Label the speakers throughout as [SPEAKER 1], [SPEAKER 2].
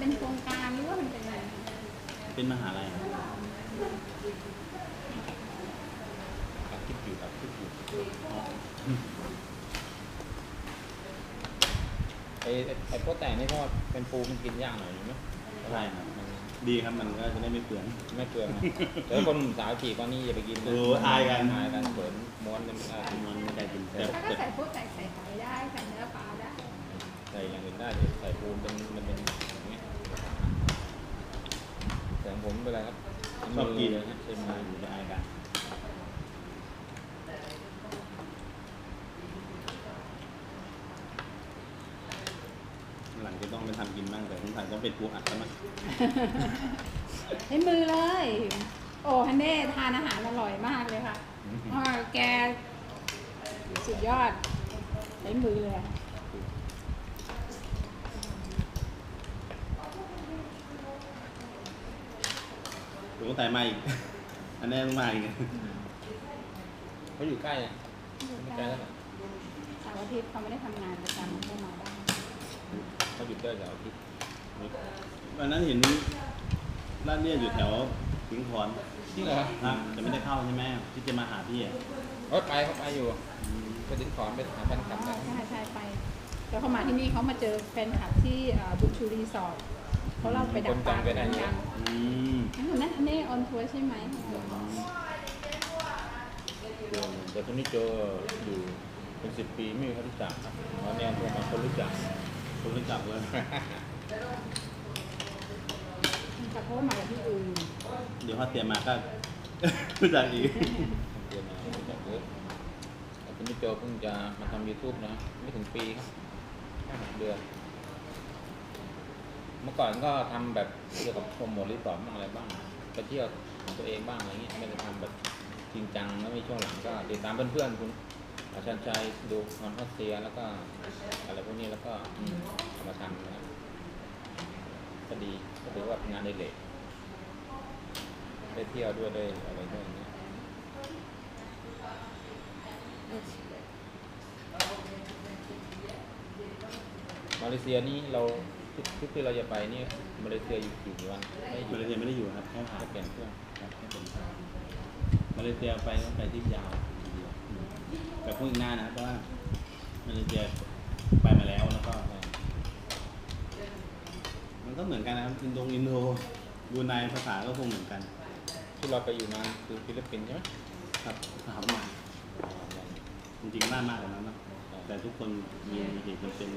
[SPEAKER 1] เป็นโครงการหรือว่ามันเป็นอะไร
[SPEAKER 2] เป็นมหาลัย
[SPEAKER 3] อัดคลิปอยู่อัดคลิปอยู่ไอ้พวกแต่นี่ก็เป็นปูมันกินยากหน่อยไหม
[SPEAKER 2] ใช่ครับดีครับมันก็จะได้ไม่เปลือง
[SPEAKER 3] ไม่เปลืองแต่คนสาวจีบว่านี่อย่าไปกินนะ
[SPEAKER 2] อายกัน
[SPEAKER 3] เปิดม้วนมัน
[SPEAKER 2] ไม่ได้กินแต่
[SPEAKER 1] ถ้าใส่พวกใส่ไข่ได้ใส่เนื้อปลาได้
[SPEAKER 3] ใส่อย่างอื่นได้ใส่ปูเป็นมันเป็นอย่างเงี้ยแต่ผมเป็นไรครับ
[SPEAKER 2] ชอบกิน
[SPEAKER 3] เลยนะใช่ไหม
[SPEAKER 2] อยู่ได้กันหลังจะต้องไปทำกินบ้างแต่ผมถ่ายต้องเป็นปูอัดแล้วมั้ง
[SPEAKER 1] ใช้มือเลยโอ้ฮันเน่ทานอาหารอร่อยมากเลยค่ะแกสุดยอดใช้มือเลย
[SPEAKER 2] ผมก็แต่มาอีกอันนี้ต้องมาอีก
[SPEAKER 3] เขาอยู่ใกล้ไม่ไกลแล้ว
[SPEAKER 1] เสาร์อาทิตย์เขาไม่ได้ทำงานประจำเขามาได้
[SPEAKER 3] เขาหยุดได้เสาร์อาทิตย์
[SPEAKER 2] วันนั้นเห็นร้านเนี่ยอยู่แถวสิงห์พร
[SPEAKER 3] ที่เหรอ
[SPEAKER 2] ครับจะไม่ได้เข้าใช่ไหมที่จะมาหาพี่อ่ะ
[SPEAKER 3] เขาไปอยู่ไปสิงห์พรไปหาแฟนคลับ
[SPEAKER 1] ใช่ไปแล้วเขามาที่นี่เขามาเจอแฟนคลับที่บุญชูรีสอร์ทเขาเล่าไปดักปลากันนั่นอันนี้ออนทัวร์ใช่ไหม
[SPEAKER 3] แต่คนนี้เจออยู่เป็น10 ปีไม่มีใครรู้จักครับตอนนี้พวกมันคนรู้จัก
[SPEAKER 2] เลย
[SPEAKER 1] แต่เขามาจากที่อื่น
[SPEAKER 2] เดี๋ยวพอเตรียมมาก็รู้จักอีก
[SPEAKER 3] เตรียมมารู้จักเยอะแต่คนนี้เจอเพิ่งจะมาทำ YouTube นะไม่ถึงปีครับแค่6 เดือนเมื่อก่อนก็ทำแบบเกี่ยวกับโปรโมทรีสอร์ทบ้างอะไรบ้างไปเที่ยวของตัวเองบ้างอะไรเงี้ยไม่ได้ทำแบบจริงจังแล้วมีช่วงหลังก็ติดตามเพื่อนๆคุณอาจารย์ชัยดูคอนทัสเซียแล้วก็อะไรพวกนี้แล้วก็เอามาทำนะครับก็ดีก็ถือว่าเป็นงานในเหล็กได้เที่ยวด้วยได้อะไรด้วยอย่างเงี้ยมาเลเซียนี่เราทุกที่เราจะไปนี่มาเลเซียอยู่กี่วัน
[SPEAKER 2] มาเลเซียไม่ได้อยู่ครับแค่ผ่าน
[SPEAKER 3] เปลี่ยนเครื่อง
[SPEAKER 2] ครับแค่เป็นมาเลเซียไปต้องไปที่ยาวแต่พูดอีกหน้านะเพราะว่ามาเลเซียไปมาแล้วก็มันก็เหมือนกันนะครับอินโดบูไนภาษาก็คงเหมือนกัน
[SPEAKER 3] ที่เราไปอยู่มาคือฟิลิปปินส์ใช่ไหม
[SPEAKER 2] ครับถามมาจริงๆน่ามากกว่านั้นนะแต่ทุกคนมีเหตุจำเป็น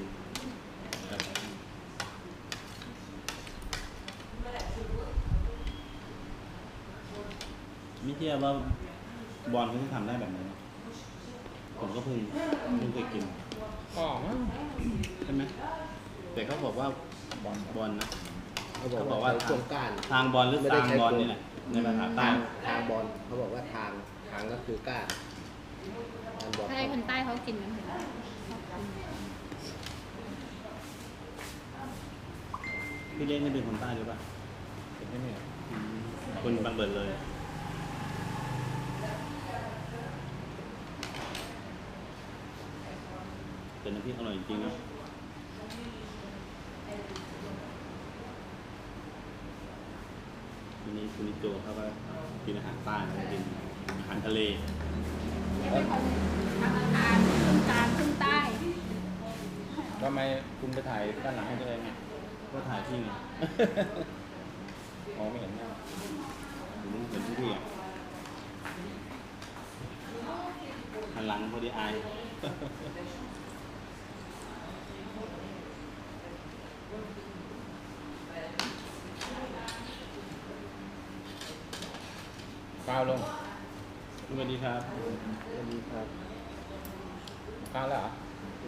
[SPEAKER 2] ไม่เชื่อว่าบอลเขาจะทำได้แบบนี้ผมก็เพิ่งเคยกินใช่ไหมแต่เขาบอกว่าบอลนะ
[SPEAKER 4] เขาบอกว่า
[SPEAKER 2] ทางบอลหรือทางบอลนี่แหละในภาษาใต้
[SPEAKER 4] ทางบอลเขาบอกว่าทางก็คือก้าน
[SPEAKER 1] ใช่คนใต้เขากินกัน
[SPEAKER 2] พี่เล่นนี่เป็นคนใต้หรือเปล่า
[SPEAKER 3] เป็นไม่เนี่ย
[SPEAKER 2] คนบังเบิดเลยเป็นน้ำพริกอร่อยจริงๆนะวันนี้คุณนิโจเขาก็กินอาหารใต้กินอาหารทะเล
[SPEAKER 1] ทางอาหารขึ้นกลางขึ้นใต้
[SPEAKER 3] ทำไมคุณไปถ่ายด้านหลังให้ตัวเองไง
[SPEAKER 2] ก็ถ่ายที่ไง
[SPEAKER 3] ไม่เห็นหน้า
[SPEAKER 2] ผมเห็นทุกที่อ่ะหันหลังพอดีอาย
[SPEAKER 3] ก้าวลง
[SPEAKER 2] สวัสดีครับ
[SPEAKER 3] ก้าวแล้วเหรอ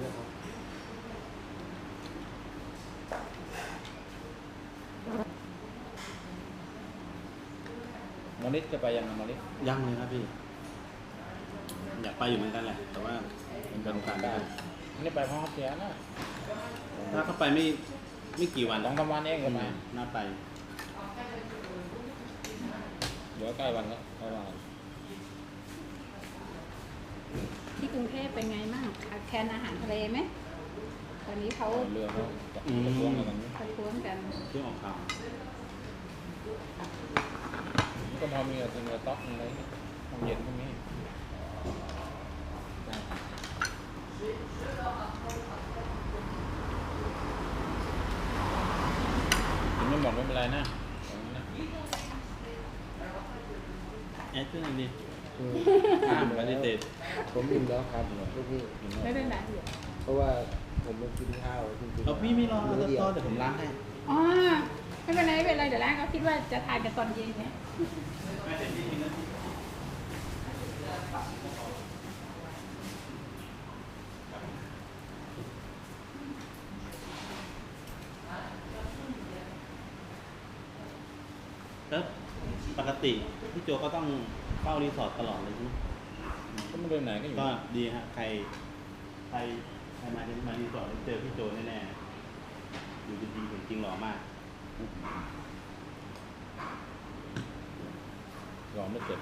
[SPEAKER 3] มอลิสจะไปยังไงมอลิส
[SPEAKER 2] ยังเลยครับพี่อยากไปอยู่เหมือนกันแหละแต่ว่าเป็นโอกาสได้
[SPEAKER 3] นี่ไปพร้อมเสียนะ
[SPEAKER 2] ถ้าเข้าไปไม่กี่วัน
[SPEAKER 3] 2-3 วันเองก็ไป
[SPEAKER 2] น่าไป
[SPEAKER 3] เดี๋ยวใกล้วันแล้ว
[SPEAKER 1] ที่กรุงเทพเป็นไงบ้างขาดแคลนอาหารทะเลไหมตอนนี้เขา
[SPEAKER 3] เรือเขาจะล้วงอะไรกัน
[SPEAKER 1] ประท้วงกัน
[SPEAKER 2] ที่ออกข่าว
[SPEAKER 3] ก็พอมีอะไรเต๊อกอะไรห้องเย็นพวกนี้กินไม่หมดไม่เป็นไรนะ
[SPEAKER 2] แอดขึ้นหน่อยดิ
[SPEAKER 4] อืม
[SPEAKER 2] ห้ามปฏิเสธ
[SPEAKER 4] ผมอิ่มแล้วครับลูกพี่
[SPEAKER 1] ไม่เป็นไรอยู่
[SPEAKER 4] เพราะว่าผมมากินข้าวจริงๆ
[SPEAKER 2] เอาพี่ไม่รอ
[SPEAKER 4] มื้อเดียว
[SPEAKER 2] เดี๋ยวผมล้างให้
[SPEAKER 1] อ๋อไม่เป็นไรไม่เป็นไรเดี๋ยวแรกเขาคิดว่าจะทานกันตอนเย็นไง
[SPEAKER 2] แล้วปกติพี่โจก็ต้องเฝ้ารีสอร์ทตลอดเลยใช่ไหม
[SPEAKER 3] ก็ไม่เดินไหนก็อยู่
[SPEAKER 2] ก็ดีฮะใครมาที่มารีสอร์ทแล้วเจอพี่โจแน่ๆอยู่ดีๆจริงๆหล่อมาก
[SPEAKER 3] รอไม่เสร็จ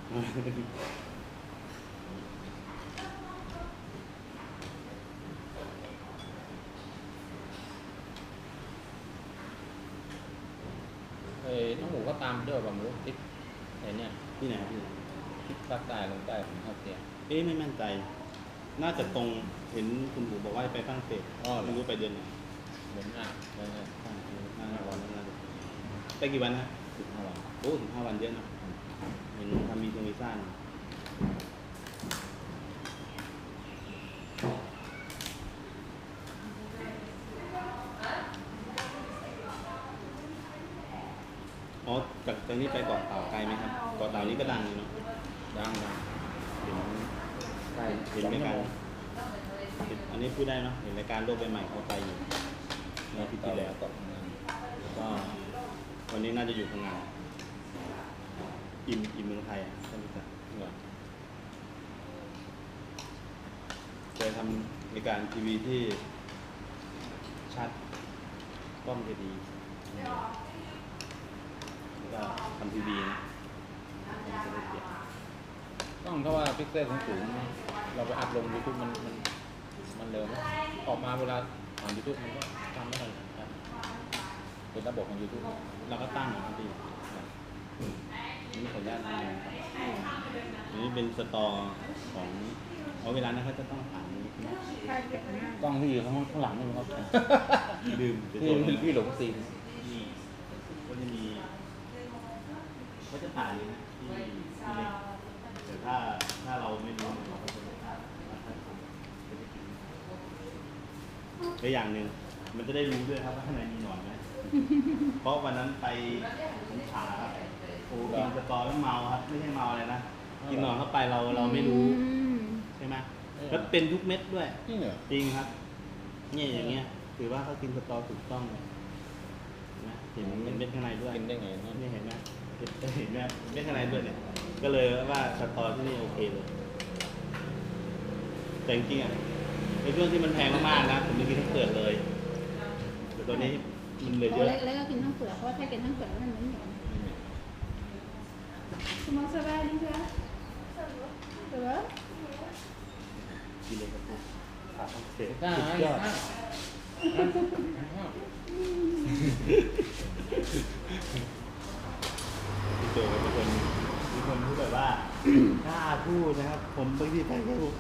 [SPEAKER 3] น้องหมูก็ตามด้วยแบบหมูทิศไอ้เนี่ย
[SPEAKER 2] ที่ไหนครับพี่
[SPEAKER 3] ทิศภาคใต้ลงใต้ของภาคเซีย
[SPEAKER 2] ไม่มั่นใจ น่าจะตรงเห็นคุณปู่บอกว่าไปฝรั่งเศส
[SPEAKER 3] อ๋อเหรอ
[SPEAKER 2] ไม่รู้ไปเดือนไหน
[SPEAKER 3] เหมือนอ่ะเหมือนอ่ะ
[SPEAKER 2] 5 วันน่าจะไปกี่วันนะ
[SPEAKER 3] 15 วัน
[SPEAKER 2] โอ้ถึง5 วันเยอะนะเห็นทำวีซ่านะอ๋อจากนี้ไปเกาะเต่าไกลไหมครับเกาะเต่านี้ก็ดังอยู่เนาะ
[SPEAKER 3] ดัง
[SPEAKER 2] เห็น
[SPEAKER 3] ใกล้
[SPEAKER 2] เห็น
[SPEAKER 3] 2
[SPEAKER 2] ราย
[SPEAKER 3] ชั่ว
[SPEAKER 2] การ
[SPEAKER 3] โมง
[SPEAKER 2] อันนี้พูดได้เนาะเห็นรายการโลกใบใหม่เขาไปอยู่ในอาทิตย์ที่แล้ว
[SPEAKER 3] ก็ทำงาน
[SPEAKER 2] ก็วันนี้น่าจะอยู่พังงาอิ่มเมืองไทยอ่ะท่านผู้ชม
[SPEAKER 3] เหรอ
[SPEAKER 2] เคยทำรายการทีวีที่ชัดกล้องจะดีแล้วก็ทำทีวีนะ
[SPEAKER 3] ต้องเพราะว่าพิกเซลสูงๆเราไปอัพลง YouTube มันเร็วไหมออกมาเวลาผ่าน YouTube มันก็ทำไม่ทันครับเป็นระบบของ YouTube
[SPEAKER 2] เราก็ตั้งนะครับพี่นี่ขออนุญาตนะครับอันนี้เป็นสตอของเวลานั้นเขาจะต้องผ่านนี้ใช่ไหม
[SPEAKER 1] ถ้าเก็บหน้าก
[SPEAKER 3] ล้องที่อยู่ข้างหลังนี่ครับ
[SPEAKER 2] ลืมไป
[SPEAKER 3] พี่
[SPEAKER 2] ตัวนึง
[SPEAKER 3] พี่หลงซีน
[SPEAKER 2] นี่ก็จะมีก็จะถ่ายเลยนะที่เล็กแต่ถ้าเราไม่รู้เราก็จะและอย่างหนึ่งมันจะได้รู้ด้วยครับว่าข้างในมีหนอนไหม เพราะวันนั้นไปสงขลาครับโอ้กินสตอแล้วเมาครับไม่ใช่เมาอะไรนะกินหนอนเข้าไปเราไม่รู้
[SPEAKER 1] อืม
[SPEAKER 2] ใช่ไหมแล้วเป็นทุกเม็ดด้วย
[SPEAKER 3] นี่เหรอ
[SPEAKER 2] จริงครับเนี่ยอย่างเงี้ยถือว่าเขากินสตอถูกต้องเลยนะเห็นเม็ดข้างในด้วย
[SPEAKER 3] กินได้ไงเนาะ
[SPEAKER 2] นี่เห็นไหมเห็นไหมเม็ดข้างในด้วยเนี่ยก็เลยว่าสตอที่นี่โอเคเลยแต่จริงๆอ่ะในช่วงที่มันแพงมากๆนะผมไม่กินทั้งเปลือกเลยแต่ตัวนี้มันเหลือเยอะ
[SPEAKER 1] แล้วก็กินทั้งเปลือกเพราะว่าถ้ากินทั้งเปลือกแล้วมันไม่เหนียวคุณมองสบายดีคะเสือ
[SPEAKER 2] กินเลยครับผมขาดทั้งเศษ
[SPEAKER 3] กล้า
[SPEAKER 2] สุ
[SPEAKER 3] ไหม
[SPEAKER 2] ดยอด
[SPEAKER 3] กล้า
[SPEAKER 2] พี่โจเป็นคนที่แบบว่ากล้าพูดนะครับ ผมบางทีไปก็พูด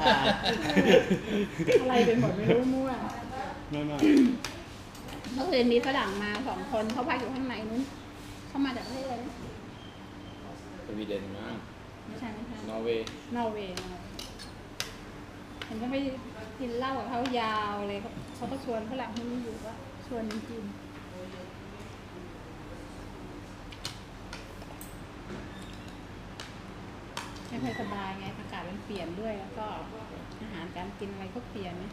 [SPEAKER 1] อะไรเป็นหมดไม่รู้มั่ว
[SPEAKER 2] ไม่
[SPEAKER 1] เมื่อคืนมีฝรั่งมา2 คนเขาพักอยู่ข้างในนู้นเขามาจากประเทศอะไรนะ
[SPEAKER 3] สวีเดนมา
[SPEAKER 1] ไม่ใช่
[SPEAKER 3] นอร์เวย์
[SPEAKER 1] นอร์เวย์เห็นก็ไปกินเหล้ากับเขายาวเลยเขาก็ชวนฝรั่งที่นี่อยู่ว่าชวนกินไม่ค่อยสบายไงอากาศมันเปลี่ยนด้วยแล้วก็อาหารการกินอะไรก็เปลี่ยนนะ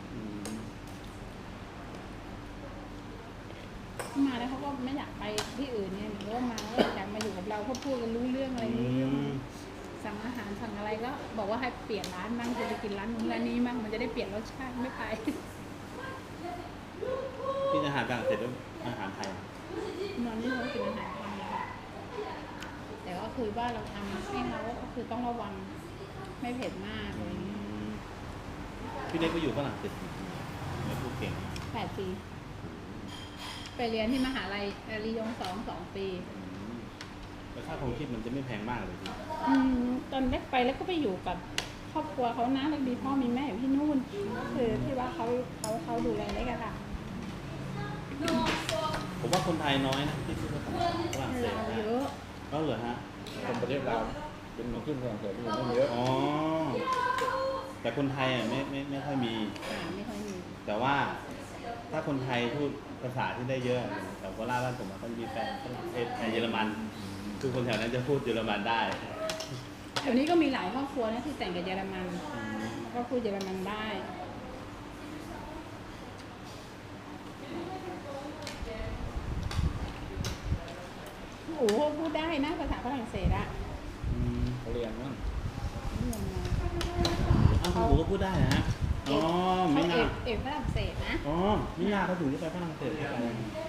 [SPEAKER 1] มาแล้วเขาก็ไม่อยากไปที่อื่นเนี่ยหรือว่ามาแล้วอยากมาอยู่กับเราเขาพูดกันรู้เรื่องอะไรรู้เรื่องสั่งอาหารสั่งอะไรก็บอกว่าให้เปลี่ยนร้านมั่งจะไปกินร้านนู้นร้านนี้มั่งมันจะได้เปลี่ยนรสชาติไม่ไป
[SPEAKER 2] กินอาหารต่างเสร็จแล้วอาหารไทย
[SPEAKER 1] นอนนี่เขากินอาหารไทยค่ะแต่ก็คือว่าเราทำให้เขาก็คือต้องระวังไม่เผ็ดมากอะไรอย่างเงี้ย
[SPEAKER 2] พี่เล็กไปอยู่ฝรั่งเศสไม่พูดเก่ง
[SPEAKER 1] 8 ปีไปเรียนที่มหาลัยรียง2 ปี
[SPEAKER 2] แล้วค่าครองชีพมันจะไม่แพงมากเลยพี่
[SPEAKER 1] ตอนแรกไปแล้วก็ไปอยู่กับครอบครัวเขานะแล้วมีพ่อมีแม่อยู่ที่นู่นก็คือที่ว่าเขาดูแลเล็กอะค่ะ
[SPEAKER 2] ผมว่าคนไทยน้อยนะที่พูดภาษาฝรั่งเศส
[SPEAKER 1] เรา
[SPEAKER 2] นะ
[SPEAKER 1] เยอะ
[SPEAKER 2] ก็เหรอฮะ
[SPEAKER 3] คนประเทศเราเป็นมาขึ้นฝรั่งเศสที่อยู่ไม่เยอะ
[SPEAKER 2] อ๋อแต่คนไทยอ่ะไม่ค่อยมี
[SPEAKER 1] ไม่ค่อยมี
[SPEAKER 2] แต่ว่าถ้าคนไทยพูดภาษาที่ได้เยอะแต่โคราชบ้านผมอะก็มีแฟนฝรั่งเศสแฟนเยอรมันคือคนแถวนั้นจะพูดเยอรมันได้
[SPEAKER 1] แถวนี้ก็มีหลายครอบครัวนะที่แต่งกับเยอรมันก็พูดเยอรมันได้โอ้โหพูดได้นะภาษาฝรั่งเศสอะ
[SPEAKER 3] เขาเรียนมั้ง
[SPEAKER 1] นี่ยังไง
[SPEAKER 2] อ้าวคุณปู่ก็พูดได้นะฮะอ๋อ
[SPEAKER 1] เขา
[SPEAKER 2] ไม่
[SPEAKER 1] เอ
[SPEAKER 2] น่าก
[SPEAKER 1] ฝรั่งเศสนะ
[SPEAKER 2] อ๋อไม่น่าเขาถึงจะไปฝรั่งเศสได้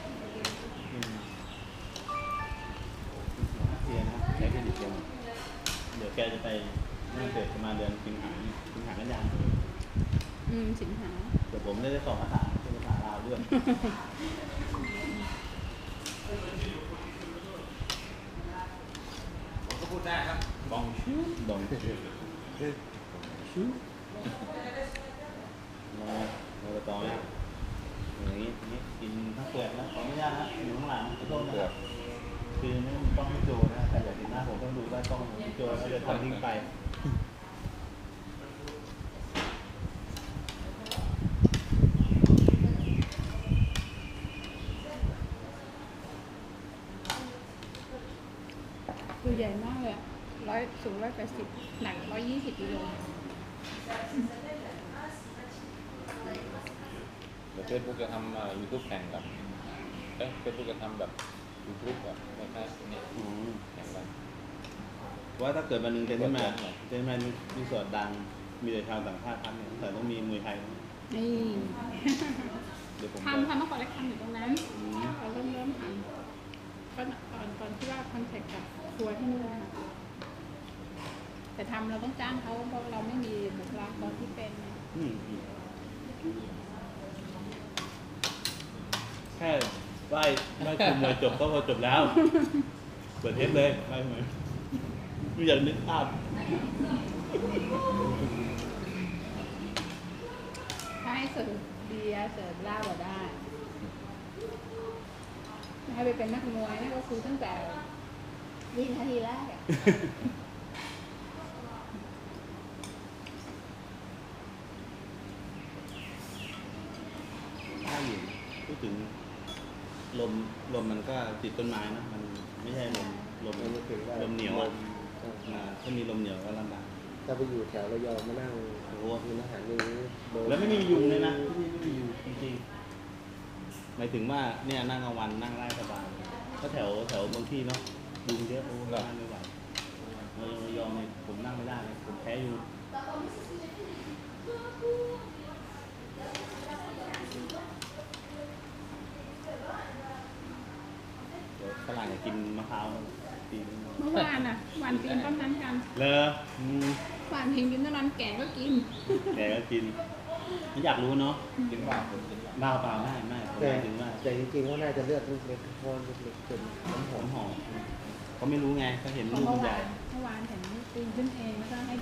[SPEAKER 2] เสียนะใช้เครดิตเดียวเดี๋ยวแกจะไปฝรั่งเศสประมาณเดือนสิงหากันยายน
[SPEAKER 1] สิงหา
[SPEAKER 2] เดี๋ยวผมได้สอบภาษาเป็นภาษาลาวด้วย
[SPEAKER 3] ผมก็พูดได้ครับ
[SPEAKER 2] บองชูบองชูชูเราต่อเนี่ยอย่างนี้กินทั้งเปลือกนะขออนุญาตนะอยู่ข้างหลังขอโทษนะครับคือไม่ต้องโจนะแต่อยากเห็นหน้าผมต้องดูได้ต้องโจแล้วจะทำทิ้งไป
[SPEAKER 1] ตัวใหญ่มากเลยสูง180หนัก120กิโล
[SPEAKER 3] เดี๋ยวเฟซบุ๊กจะทำยูทูบแข่งกับเฟซบุ๊กจะทำแบบยูทูบแบบคล้ายๆเนี่ยแข่งกัน
[SPEAKER 2] ว่าถ้าเกิดวันหนึ่งเจนมามีส่วนดังมีแต่ชาวต่างชาติทำเนี่ยแต่ต้องมีมวยไทย
[SPEAKER 1] นี่
[SPEAKER 2] เดี๋ยวผม
[SPEAKER 1] ทำเมื่อก่อนแรกทำอยู่ตรงนั้นเราเริ่มทำก็ตอนที่ว่าคอนแทคกับครัวที่นู่นนะคะแต่ทำเราต้องจ้างเขาเพราะเราไม่มีบุคลากรที่เป็นไง
[SPEAKER 2] แค่ไหว้คุมมวยจบก็พอจบแล้ว เปิดเทปเลยไหว้มวยไม่อยากนึกภาพ
[SPEAKER 1] ถ้าให้เสิร์ฟเบียร์เสิร์ฟเหล้าก็ได้ให้ไปเป็นนักมวยนี่ก็คือตั้งแต่วินาทีแรกอะ
[SPEAKER 2] ถ้าอยู่พูดถึงลมมันก็ติดต้นไม้นะมันไม่ใช่ลมเหนียวอ่ะถ้ามีลมเหนียวก็ลำบาก
[SPEAKER 4] ถ้าไปอยู่แถวระยองมานั่ง
[SPEAKER 2] โอ้โห
[SPEAKER 4] กินอาหารอย่างนี้โดน
[SPEAKER 2] แล้วไม่มียุงเลยนะที่นี่ไม่มียุงจริงๆหมายถึงว่าเนี่ยนั่งกลางวันนั่งได้สบายก็แถวบางที่เนาะยุงเยอะโอ้นั่งไม่ไหวระยองเนี่ยผมนั่งไม่ได้เลยผมแพ้ยุงเดี๋ยวฝรั่งอยากกินมะพร้าวปีน
[SPEAKER 1] เมื่อวานอ่ะวันปีนต้นนั้นกัน
[SPEAKER 2] เลอ
[SPEAKER 1] วันปีนต้นนั้นแก่ก็กิน
[SPEAKER 2] แกก็กินไม่อยากรู้เนาะ
[SPEAKER 3] กินบ้าผมกินบ้า
[SPEAKER 2] บ้าเปล่าไม่ผมห
[SPEAKER 4] แต่
[SPEAKER 2] มายถึงว่า
[SPEAKER 4] แต่จริงๆเขาน่าจะเลือดเล็กๆเพราะเล็กๆจนน้ำหอม
[SPEAKER 2] หอมเขาไม่รู้ไงเขาเห็นลูกมันใหญ่
[SPEAKER 1] เมื่อวานเห็นปีนขึ้นเองแล้วก็ให้